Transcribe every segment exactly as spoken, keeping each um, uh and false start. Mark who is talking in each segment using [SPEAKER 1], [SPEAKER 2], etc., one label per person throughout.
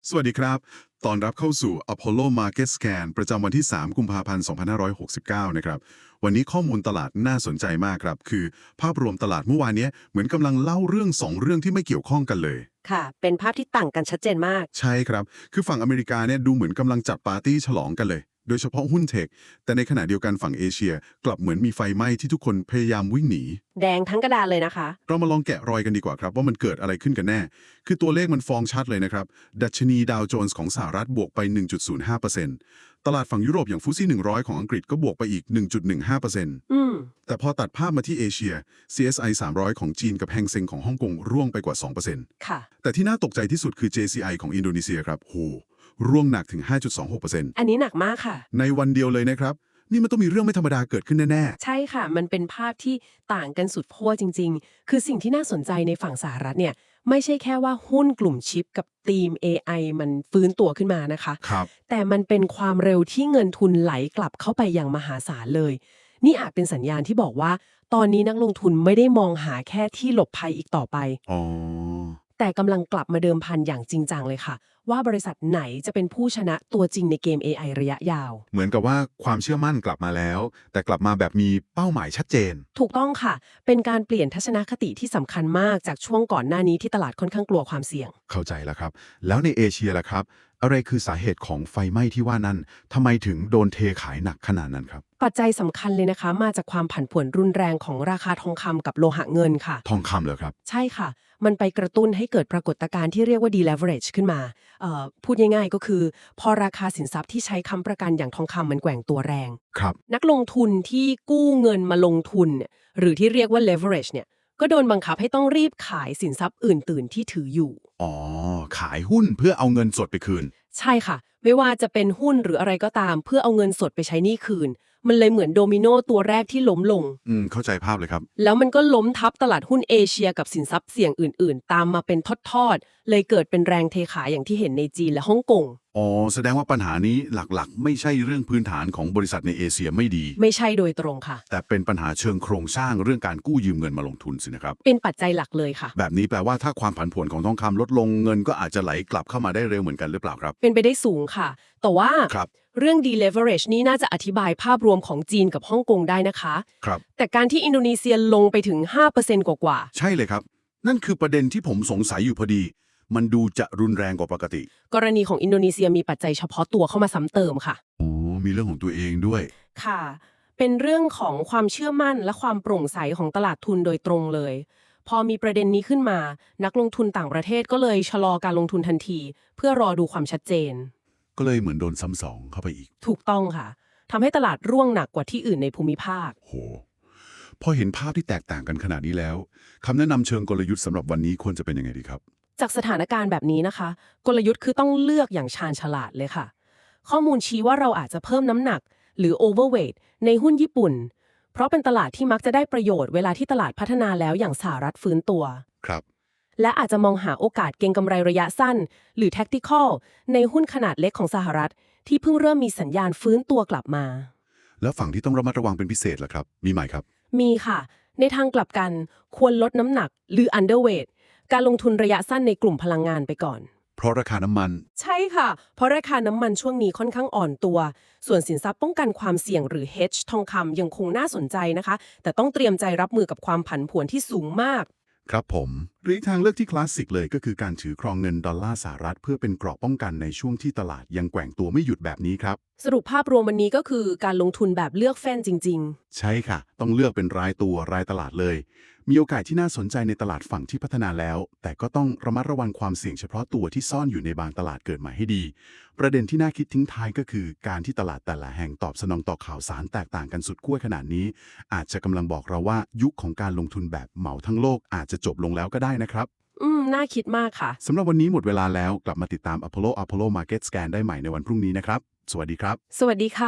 [SPEAKER 1] สวัสดีครับตอนรับเข้าสู่ Apollo Market Scan ประจำวันที่ สาม กุมภาพันธ์ สองพันห้าร้อยหกสิบเก้า นะครับ วันนี้ข้อมูลตลาดน่าสนใจมากครับ คือภาพรวมตลาดเมื่อวานนี้เหมือนกำลังเล่าเรื่องสองเรื่องที่ไม่เกี่ยวข้องกันเลย
[SPEAKER 2] ค่ะ เป็นภาพที่ต่างกันชัดเจนมาก
[SPEAKER 1] ใช่ครับ คือฝั่งอเมริกาเนี่ยดูเหมือนกำลังจัดปาร์ตี้ฉลองกันเลย โดยเฉพาะหุ้นเทค แต่ในขณะเดียวกันฝั่งเอเชีย กลับเหมือนมีไฟไหม้ที่ทุกคนพยายามวิ่งหนี
[SPEAKER 2] แดงทั้งกระดานเลยนะคะ
[SPEAKER 1] เรามาลองแกะรอยกันดีกว่าครับว่ามันเกิดอะไรขึ้นกันแน่ คือตัวเลขมันฟ้องชัดเลยนะครับ ดัชนีดาวโจนส์ของสหรัฐบวกไป หนึ่งจุดศูนย์ห้าเปอร์เซ็นต์ ตลาดฝั่งยุโรปอย่างฟุตซี่หนึ่งร้อยของอังกฤษก็บวกไปอีก หนึ่งจุดหนึ่งห้าเปอร์เซ็นต์
[SPEAKER 2] อืม
[SPEAKER 1] แต่พอตัดภาพมาที่เอเชีย ซี เอส ไอ สามร้อยของจีนกับแฮงเซ็งของฮ่องกงร่วงไปกว่า สองเปอร์เซ็นต์
[SPEAKER 2] ค่ะ
[SPEAKER 1] แต่ที่น่าตกใจที่สุดคือ เจ ซี ไอ ของอินโดนีเซียครับโหร่วงหนักถึง ห้าจุดสองหกเปอร์เซ็นต์
[SPEAKER 2] อันนี้หนักมากค่ะ
[SPEAKER 1] ในวันเดียวเลยนะครับ นี่มันต้องมีเรื่องไม่ธรรมดาเกิดขึ้นแน่ๆ
[SPEAKER 2] ใช่ค่ะ มันเป็นภาพที่ต่างกันสุดขั้วจริง ๆ คือสิ่งที่น่าสนใจในฝั่งสหรัฐเนี่ยไม่ใช่แค่ว่าหุ้นกลุ่มชิปกับทีม เอ ไอ มันฟื้นตัวขึ้นมานะคะ
[SPEAKER 1] ครับ
[SPEAKER 2] แต่มันเป็นความเร็วที่เงินทุนไหลกลับเข้าไปอย่างมหาศาลเลย นี่อาจเป็นสัญญาณที่บอกว่า ตอนนี้นักลงทุนไม่ได้มองหาแค่ที่หลบภัยอีกต่อไป
[SPEAKER 1] อ๋อ
[SPEAKER 2] แต่กำลังกลับมาเดิมพันอย่างจริงจังเลยค่ะ ว่าบริษัทไหนจะเป็นผู้ชนะตัวจริงในเกม เอ ไอ ระยะยาว
[SPEAKER 3] เหมือนกับว่าความเชื่อมั่นกลับมาแล้ว แต่กลับมาแบบมีเป้าหมายชัดเจน
[SPEAKER 2] ถูกต้องค่ะ เป็นการเปลี่ยนทัศนคติที่สำคัญมากจากช่วงก่อนหน้านี้ที่ตลาดค่อนข้างกลัวความเสี่ยง
[SPEAKER 3] เข้าใจแล้วครับ แล้วในเอเชียล่ะครับ อะไรคือสาเหตุของไฟไหม้ที่ว่านั้นทำไมถึงโดนเทขายหนักขนาดนั้นครับ
[SPEAKER 2] ปัจจัยสำคัญเลยนะคะ มาจากความผันผวนรุนแรงของราคาทองคำกับโลหะเงินค่ะ
[SPEAKER 3] ทองคำเหรอครับ
[SPEAKER 2] ใช่ค่ะ มันไปกระตุ้นให้เกิดปรากฏการณ์ที่เรียกว่า deleverage ขึ้นมาเอ่อพูดง่ายๆก็คือ พอราคาสินทรัพย์ที่ใช้ค้ำประกันอย่างทองคำมันแกว่งตัวแรง
[SPEAKER 3] ครับ
[SPEAKER 2] นักลงทุนที่กู้เงินมาลงทุนเนี่ยหรือที่เรียกว่า leverage เนี่ยก็โดนบังคับให้ต้องรีบขายสินทรัพย์อื่นตื่นที่ถืออยู่
[SPEAKER 3] อ๋อ ขายหุ้นเพื่อเอาเงินสดไปคืน
[SPEAKER 2] ใช่ค่ะ ไม่ว่าจะเป็นหุ้นหรืออะไรก็ตาม เพื่อเอาเงินสดไปใช้หนี้คืน มันเลยเหมือนโดมิโนตัวแรกที่ล้มลง
[SPEAKER 3] อืม เข้าใจภาพเลยครับ
[SPEAKER 2] แล้วมันก็ล้มทับตลาดหุ้นเอเชียกับสินทรัพย์เสี่ยงอื่นๆ ตามมาเป็นทอดๆ เลยเกิดเป็นแรงเทขายอย่างที่เห็นในจีนและฮ่องกง
[SPEAKER 1] อ๋อ แสดงว่าปัญหานี้หลักๆ ไม่ใช่เรื่องพื้นฐานของบริษัทในเอเชียไม่ดี
[SPEAKER 2] ไม่ใช่โดยตรงค่ะ
[SPEAKER 1] แต่เป็นปัญหาเชิงโครงสร้างเรื่องการกู้ยืมเงินมาลงทุนสินะครับ
[SPEAKER 2] เป็นปัจจัยหลักเลยค่ะ
[SPEAKER 1] แบบนี้แปลว่าถ้าความผันผวนของทองคำลดลงเงินก็อาจจะไหลกลับเข้ามาได้เร็วเหมือนกันหรือเปล่าครับ
[SPEAKER 2] เป็นไปได้สูงค่ะ แต่ว่า
[SPEAKER 1] ครับ
[SPEAKER 2] เรื่อง deleverage นี้น่าจะอธิบายภาพรวมของจีนกับฮ่องกงได้นะคะ
[SPEAKER 1] ครับ
[SPEAKER 2] แต่การที่อินโดนีเซียลงไปถึง ห้าเปอร์เซ็นต์ กว่า
[SPEAKER 1] ใช่เลยครับ นั่นคือประเด็นที่ผมสงสัยอยู่พอดี มันดูจะรุนแรงกว่าปกติ
[SPEAKER 2] ๆ กรณีของอินโดนีเซียมีปัจจัยเฉพาะตัวเข้ามาซ้ำเติมค่ะ
[SPEAKER 1] อ๋อ มีเรื่องของตัวเองด้วย
[SPEAKER 2] ค่ะ เป็นเรื่องของความเชื่อมั่นและความโปร่งใสของตลาดทุนโดยตรงเลย พอมีประเด็นนี้ขึ้นมา นักลงทุนต่างประเทศก็เลยชะลอการลงทุนทันที เพื่อรอดูความชัดเจน
[SPEAKER 1] ก็เลยเหมือนโดนซ้ำสองเข้าไปอีก
[SPEAKER 2] ถูกต้องค่ะทำให้ตลาดร่วงหนักกว่าที่อื่นในภูมิภาค
[SPEAKER 1] โห พอเห็นภาพที่แตกต่างกันขนาดนี้แล้วคำแนะนำเชิงกลยุทธ์สำหรับวันนี้ควรจะเป็นยังไงดีครับ
[SPEAKER 2] จากสถานการณ์แบบนี้นะคะ กลยุทธ์คือต้องเลือกอย่างชาญฉลาดเลยค่ะ ข้อมูลชี้ว่าเราอาจจะเพิ่มน้ำหนัก หรือ overweight ในหุ้นญี่ปุ่น เพราะเป็นตลาดที่มักจะได้ประโยชน์เวลาที่ตลาดพัฒนาแล้วอย่างสหรัฐฟื้นตัว
[SPEAKER 1] ครับ
[SPEAKER 2] และอาจจะมองหาโอกาสเก็งกำไรระยะสั้น หรือ tactical ในหุ้นขนาดเล็กของสหรัฐ ที่เพิ่งเริ่มมีสัญญาณฟื้นตัวกลับมา
[SPEAKER 1] แล้วฝั่งที่ต้องระมัดระวังเป็นพิเศษล่ะครับ มีไหมครับ
[SPEAKER 2] มีค่ะ ในทางกลับกันควรลดน้ำหนักหรือ underweight การลงทุนระยะสั้นในกลุ่มพลังงานไปก่อน
[SPEAKER 1] เพราะราคาน้ำมัน
[SPEAKER 2] ใช่ค่ะ เพราะราคาน้ำมันช่วงนี้ค่อนข้างอ่อนตัว ส่วนสินทรัพย์ป้องกันความเสี่ยงหรือ hedge ทองคำยังคงน่าสนใจนะคะ แต่ต้องเตรียมใจรับมือกับความผันผวนที่สูงมาก
[SPEAKER 1] ครับผมหรืออีกทางเลือกที่คลาสสิกเลยก็คือการถือครองเงินดอลลาร์สหรัฐเพื่อเป็นเกราะป้องกันในช่วงที่ตลาดยังแกว่งตัวไม่หยุดแบบนี้ครับ
[SPEAKER 2] สรุปภาพรวมวันนี้ก็คือการลงทุนแบบเลือกแฟ้นจริง
[SPEAKER 1] ใช่ค่ะ ต้องเลือกเป็นรายตัวรายตลาดเลย มีโอกาสที่น่าสนใจในตลาดฝั่งที่พัฒนาแล้ว แต่ก็ต้องระมัดระวังความเสี่ยงเฉพาะตัวที่ซ่อนอยู่ในบางตลาดเกิดใหม่ให้ดี ประเด็นที่น่าคิดทิ้งท้ายก็คือ การที่ตลาดแต่ละแห่งตอบสนองต่อข่าวสารแตกต่างกันสุดขั้วขนาดนี้ อาจจะกำลังบอกเราว่ายุคของการลงทุนแบบเหมาทั้งโลกอาจจะจบลงแล้วก็ได้นะครับ
[SPEAKER 2] ๆ อืม น่าคิดมากค่ะ
[SPEAKER 1] สำหรับวันนี้หมดเวลาแล้วกลับมาติดตาม Apollo Apollo Market Scan ได้ใหม่ในวันพรุ่งนี้นะครับ สวัสดีครับ
[SPEAKER 2] สวัสดีค่ะ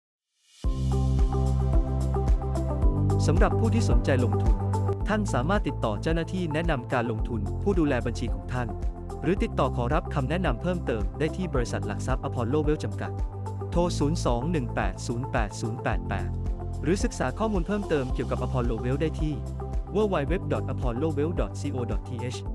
[SPEAKER 4] สำหรับผู้ที่สนใจลงทุน ท่านสามารถติดต่อเจ้าหน้าที่แนะนำการลงทุนผู้ดูแลบัญชีของท่าน หรือติดต่อขอรับคำแนะนำเพิ่มเติมได้ที่บริษัทหลักทรัพย์อพอลโลเวลจำกัด โทร ศูนย์ สอง หนึ่ง แปด ศูนย์ แปด ศูนย์ แปด แปด หรือศึกษาข้อมูลเพิ่มเติมเกี่ยวกับ Apollo Wealth ได้ที่ ดับเบิลยู ดับเบิลยู ดับเบิลยู ดอท อพอลโลเวล ดอท ซี โอ ดอท ที เอช